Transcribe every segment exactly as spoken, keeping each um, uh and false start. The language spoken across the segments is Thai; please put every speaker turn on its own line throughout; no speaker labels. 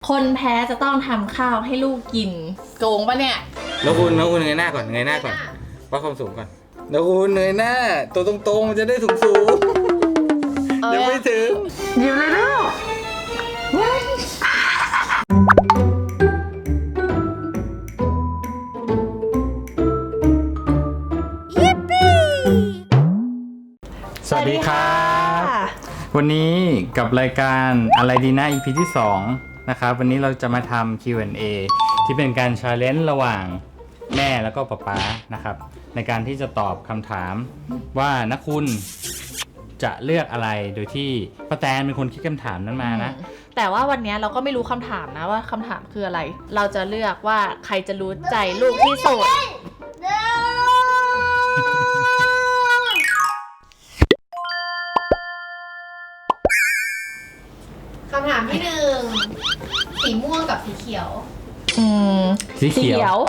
คนแพ้จะต้องทำข้าวให้ลูกกินโกงปะเนี่ย
แล้วคุณแล้วคุณเงยหน้าก่อนเงยหน้าก่อนวัดความสูงก่อนแล้วคุณเงยหน้าตัวตรงๆมันจะได้สูงสูงยังไม่ถึง
หยิบเลยลูก
สวัสดีครับวันนี้กับรายการอะไรดีนะ อี พี ที่สองนะครับวันนี้เราจะมาทำ คิว แอนด์ เอ ที่เป็นการ challenge ระหว่างแม่แล้วก็ป๊าป๊านะครับในการที่จะตอบคำถามว่านักคุณจะเลือกอะไรโดยที่ป้าแตนเป็นคนคิดคำถามนั้นมานะ
แต่ว่าวันนี้เราก็ไม่รู้คำถามนะว่าคำถามคืออะไรเราจะเลือกว่าใครจะรู้ใจลูกที่สุด
คำถามที่หนึ่งสีม่วงกับสีเขียว
อืม
สีเขียว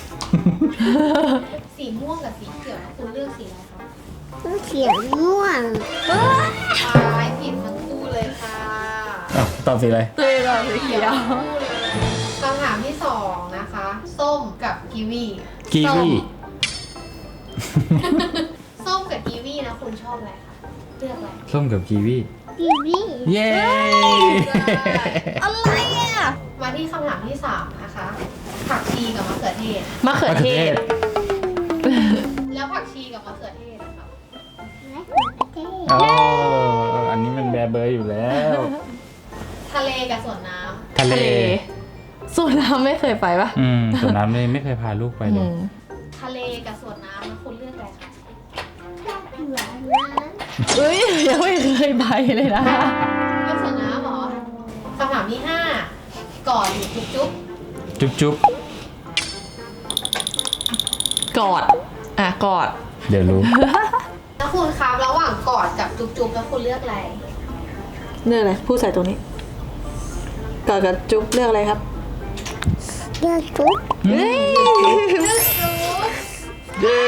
สีม่วงกับสีเขียวนะคุณเลือกสีอะไรคะ
เขียวม่วง
ตายผิดทั้งคู่เลยค่ะ
ตอบสีอะไร
ตัวเราสีเขียว
คำถามที่สองนะคะส้มกับกีวี
กีวี
ส้มกับกีวีนะคุณชอบอะไรคะเลือกอะไร
ส้มกับกีวี
กีวี
เย้
อะไรอ่ะ
มาที่คำถามที่สามนะคะผักชีกับมะเขือเทศ
มะเขือเทศ
แล้วผักชีกับมะเขือเทศนะคะ
มะเขือเทศ
อ๋ออันนี้มันแบร์เบอร์อยู่แล้ว
ทะเลกับสวนน้ำ
ทะเล
สวนน้ำไม่เคยไปปะ
อืมสวนน้ำไม่ไม่เคยพาลูกไปเลย
ทะเลกับสวนน้ำนะคุณเลือกอะไรคะ
สวนน้ำ
เอ้ยยังไม่เคยไปเลยนะ
เลือกสวนน้ำเหรอคำถามที่ห้ากอดหรือจุ๊บจุ๊บ
จุ๊บจุ๊บ
กอดอ่ะกอด
เดี๋ยวรู้
แล้วคุณครับระหว่างกอดกับจุ๊บจุ๊บแล้วคุณเลือกอะไร
เลือกอะไรพูดใส่ตรงนี้กอดกับจุ๊บเลือกอะไรครับ
เลือกจุ๊บ
เลือกจุ๊บ
เย้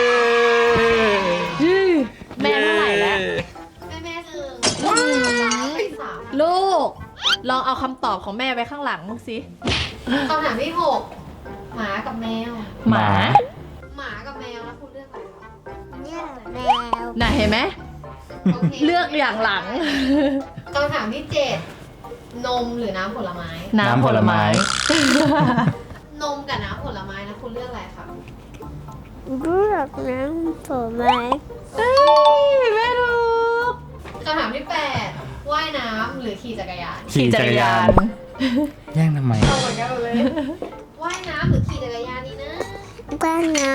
แม่เท่าไหร่แล้ว
แม่แม่หนึ่งสาม
ลูกลองเอาคำตอบของแม่ไว้ข้างหลังมึงสิ
คำถามที่หกหมากับแมว
หมา
หมากับแมวแล้วคุณเลือกอะไรคะ
เลือกแมว
น่ะเห็นไหมเลือกอย่างหลัง
คำถามที่เจ็ดนมหรือน้ำผลไม้
น้ำผลไม้
นมกับน้ำผลไม้นะคุณเลือกอะไรคะ
เลือกน้ำผลไม้
เฮ้ยแม่ถูก
คำถามที่แปดว่ายน้ำหรือขี่จักรยาน
ขี่จักรยาน
แย่งทำไม
เอาเหมือนกันเลยว่ายน้ำหรือขี่จักรยานนี่นะ
ว่ายน้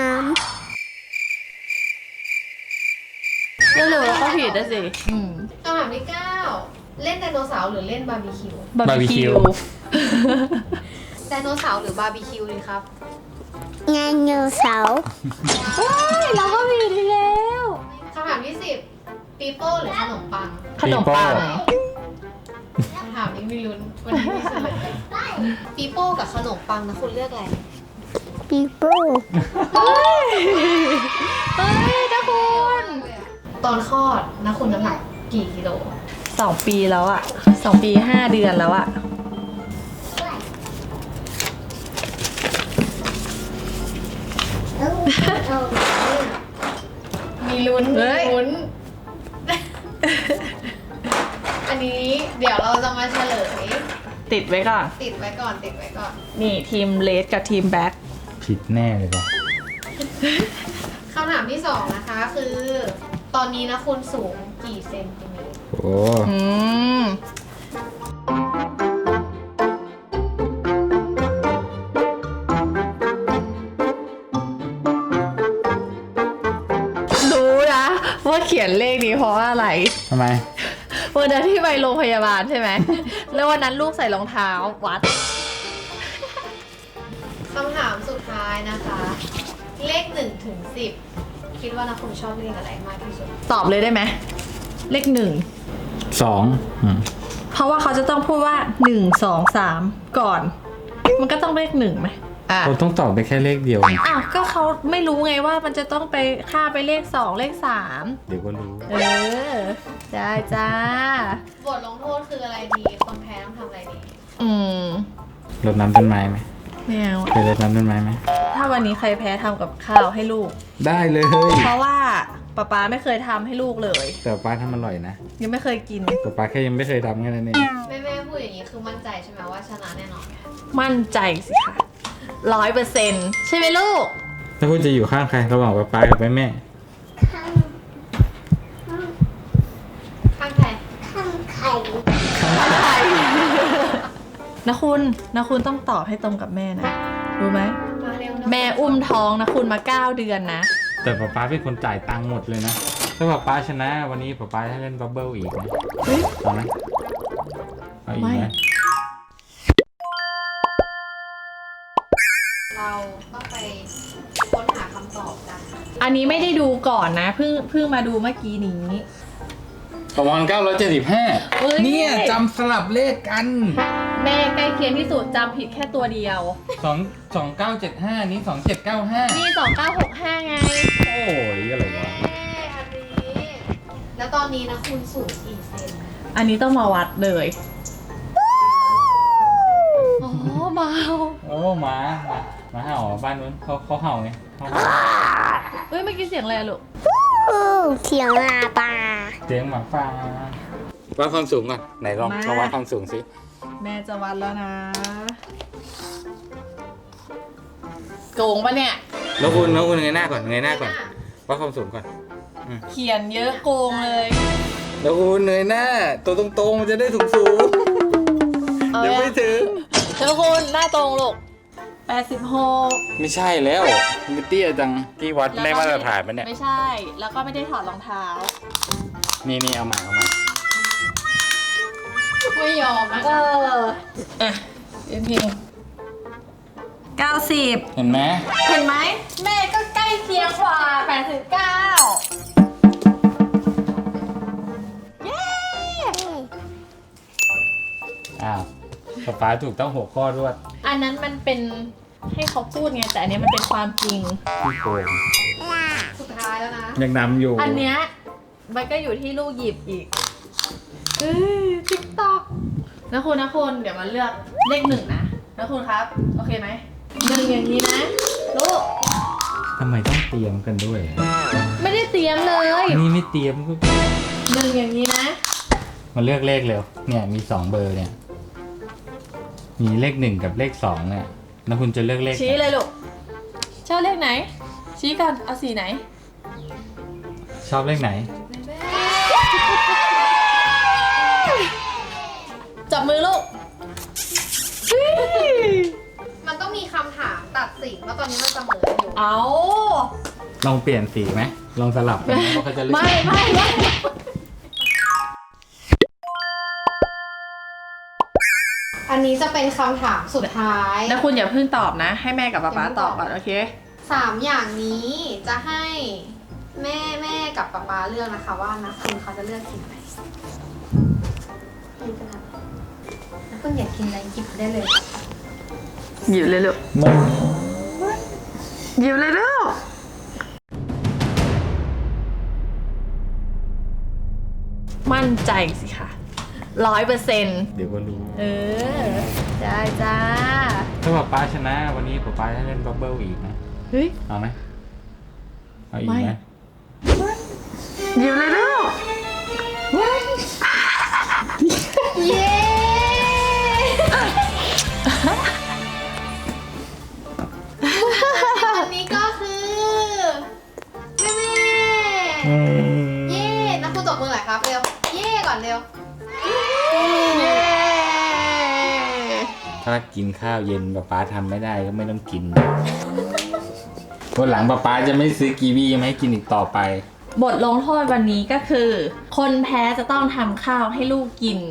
ำเร็วๆแล้วก็ผิดนะสิ
คำถามที่เก้าเล่นไดโนเสาร์หรือเล่นบาร์บีคิว
บาร์บีคิว
ไดโนเสาร์หรือบาร์บีคิวดีครับ
ไดโนเสาร์
เราก็มีทีแล้ว
คำถามที่สิบปีโป้หรือขนมปัง
ขนมปัง
คำถามนี้มีลุ้นวันนี้มีเฉลยปีโป้กับขนมปังนะคุณเลือกอะไร
ปีโป้
เฮ้ยเฮ้ยนะคุณ
ตอนคลอดนะคุณน้ำหนักกี่กิโล
สองปีแล้วอะสองปีห้าเดือนแล้วอะ
มีลุ้นมีลุ้นอันนี้เดี๋ยวเราจะมาเฉลย
ติดไว้ก่อน
ติดไว้ก่อนติดไว้ก่อน
นี่ทีมเลสกับทีมแบ็ค
ผิดแน่เลยป่ะ
คำถามที่สองนะคะคือตอนนี้นะคุณสูงกี่เซนติเมตร
โอ้
อืมรู้นะว่าเขียนเลขนี้เพราะว่าอะไร
ทำไม
วันนั้นที่ไปโรงพยาบาลใช่ไหมแล้ววันนั้นลูกใส่รองเท้าวัด
คำถามสุดท้ายนะคะเลขหนึ่งถึงสิบคิดว่านะคุณชอบเลขอะไรมากที่สุด
ตอบเลยได้ไหมเลขหนึ่ง
สอง
เพราะว่าเขาจะต้องพูดว่าหนึ่งสองสามก่อนมันก็ต้องเลขหนึ่งไหม
อ่ะผมต้องตอบไปแค่เลขเดียว
อ้าวก็เขาไม่รู้ไงว่ามันจะต้องไปค่าไปเลขสองเลขสาม
เดี๋ยวก็รู้
เออได้จ้า
บทลงโทษคืออะไรดีคนแพ้ต้องทำอะไรดี
อืม
รดน้ำต้นไม้ไหม
ไม่เอา
เคยรดน้ำต้นไม้ไหม
ถ้าวันนี้ใครแพ้ทำกับข้าวให้ลูก
ได้เลย
เพราะว่าป๊าป๊าไม่เคยทำให้ลูกเลย
แต่ป้าทำอร่อยนะ
ยังไม่เคยกิน
แต่ป้าแค่ยังไม่เคยทำแค่นั้นเอง
แม่แม่พูดอย่างนี้คือมั่นใจใช่ไหมว่าชนะแน่นอน
มั่นใจสิคะร้อยเปอร์เซ็นต์ใช่ไหมลูก
ถ้าคุณจะอยู่ข้างใครระหว่างป้าป้ากับแม่แม่
ข้าง
ข้างใคร
ข้างไข่
นะคุณนะคุณต้องตอบให้ตรงกับแม่นะ รู้ไหม
มาเร็วนะ
แม่อุ้มท้องนะคุณมาเก้าเดือนนะ
แต่ป้าป้าเป็นคนจ่ายตังค์หมดเลยนะถ้าป้าป้าชนะวันนี้ป้าป้าให้เล่นบับเบิ้ลอีกนะ
เฮ้ย
เอาไหมเอาอีกไหม
ไม่
เราต้องไปค้นหาคำตอบกัน
อันนี้ไม่ได้ดูก่อนนะเพิ่งเพิ่งมาดูเมื่อกี้นี้
ประมาณเก้าร้อยเจ็ดสิบห้า
เฮ้ย
เนี่ยจำสลับเลขกัน
แม่ใกล้เคียงที่สุดจำผิดแค่ตัวเดียว
สองสองเก้าเจ็ดห้านี้สองเจ็ดเก้าห้า
นี่สองเก้าหกห้าไง
โอ้ยอะไรวะ
เย้อันนี้ แล้วตอนนี้นะคุณสูงกี่เซน
อันนี้ต้องมาวัดเลยอ๋อเบา
โอ้หมาหมาหมาเห่าบ้านนู้นเขาเขาเห่าไงเขาเห่า
เฮ้ยเมื่อกี้เสียงอะไรอะลูก
อู้เสียงลาปลา
เสียงหมาป่าวัดความสูงก่อนไหนลองลองวัดความสูงสิ
แม่จะวัดแล้วนะโกงปะเนี่ย
แล้วคุณแล้วคุณเงยหน้าก่อนเงยหน้าก่อนวัดความสูงก่อน
เขียนเยอะโกงเลย
แล้วคุณเงยหน้า ตัวตรงๆมันจะได้สูงสูงๆยังไม่ถึง
เจ้าคุณหน้าตรงลูกแปดสิบหก
ไม่ใช่แล้วมิเตี้ยจังที่วัดได้มาตรฐานปะเนี่ย
ไม่ใช่ แล้วก็ไม่ได้ถอดรองเท้า
นี่นี่เอาใหม่เอาใหม่
ไม่ยอมนะ
เอออ่ะเอ็นพิงเก้าสิบ
เห็นไหม
เห็นไหมแม่ก็ใกล้เคียงกว่าแปดสิบเก้าเย้
อ้าวป๊าป๊าถูกต้องหกข้อรวด
อันนั้นมันเป็นให้เขาพูดไงแต่อันเนี้ยมันเป็นความจริง
พี่โกง
สุดท้ายแล้วนะ
ยังนำอยู่
อันเนี้ยมันก็อยู่ที่ลูกหยิบอีกเอ้ยติ๊กตอกนะคุณนะคุณเดี๋ยวมาเลือกเลขหนึ่งนะนะคุณครับ โอเคไหมหนึ่งอย่างนี้นะลูก
ทำไมต้องเตรียมกันด้วย
ไม่ได้เตรียมเลย
นี่ไม่เตรียมก็
หนึ่งอย่างนี้นะ
มาเลือกเลขเร็วเนี่ยมีสองเบอร์เนี่ย มีเลขหนึ่งกับเลขสองเนี่ยแล้วคุณจะเลือกเลขไหน
ชี้เลยลูกชอบเลขไหน ชี้กันเอาสีไหน
ชอบเลขไหน
จับมือลูก
มันต้องมีคำถามตัดสินว่าตอนนี้มันเสมออยู่
เอา
ลองเปลี่ยนสีไหมลองสลับกันไหมว่าเขาจะเลือก
ไม่ไม่ไม่
อันนี้จะเป็นคำถามสุดท้าย
แล้วคุณอย่าเพิ่งตอบนะ ให้แม่กับป๊าป๊าตอบก่อนโอเค
สามอย่างนี้จะให้แม่แม่กับป๊าป๊าเลือกนะคะว่านะคุณเขาจะเลือกสิ่งไหนคุณจะทำแล้วคุณอยากกินอะไรหยิบได้เลย
หยิบเลยลูก
ไม่
หยิบเลยลูกมั่นใจสิค่ะร้อยเปอร์เซ็นต์
เดี๋ยวก็รู้
เออได้จ้า
ถ้าป๊าป๊าชนะวันนี้ป๊าป๊าให้เล่นบับเบิ้ลอีกนะ
เฮ้ย
เอาไหมเอาอีกไหม
ไม่ หยิบเลยลูก
เย้อันนี้ก็คือแม่แม่
อืม
เย่นักคุณตบมือหน่อยครับเร็ว เย่ก่อนเร็ว
เย้
ถ้ากินข้าวเย็นป๊าป๊าทำไม่ได้ก็ไม่ต้องกินวันหลังป๊าป๊าจะไม่ซื้อกีวีมาให้กินอีกต่อไป
บทลงโทษวันนี้ก็คือ คนแพ้จะต้องทำข้าวให้ลูกกิน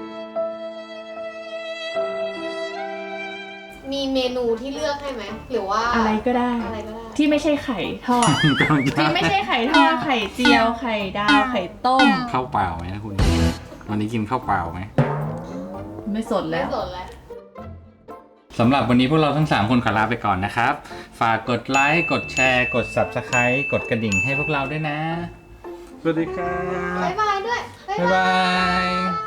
มีเมนูที่เลือกให้ไหมหรือว่า
อะไรก็ได้
อะไรก็ได้
ที่ไม่ใช่ไข่ทอด ที่ไม่ใช่ไข่ทอด ไข่เจียว ไข่ดาว ไข่ต้ม
ข้าวเปล่าไหมนะคุณ วันนี้กินข้าวเปล่าไหม
ไม่สน
ไม่
แล้ว
สนแล้ว
สำหรับวันนี้พวกเราทั้งสามคนขอลาไปก่อนนะครับ ฝากกดไลค์ กดแชร์ กด ซับสไครบ์ กดกระดิ่งให้พวกเราด้วยนะ สวัสดีครับ
บ๊ายบายด้วย
บ๊ายบาย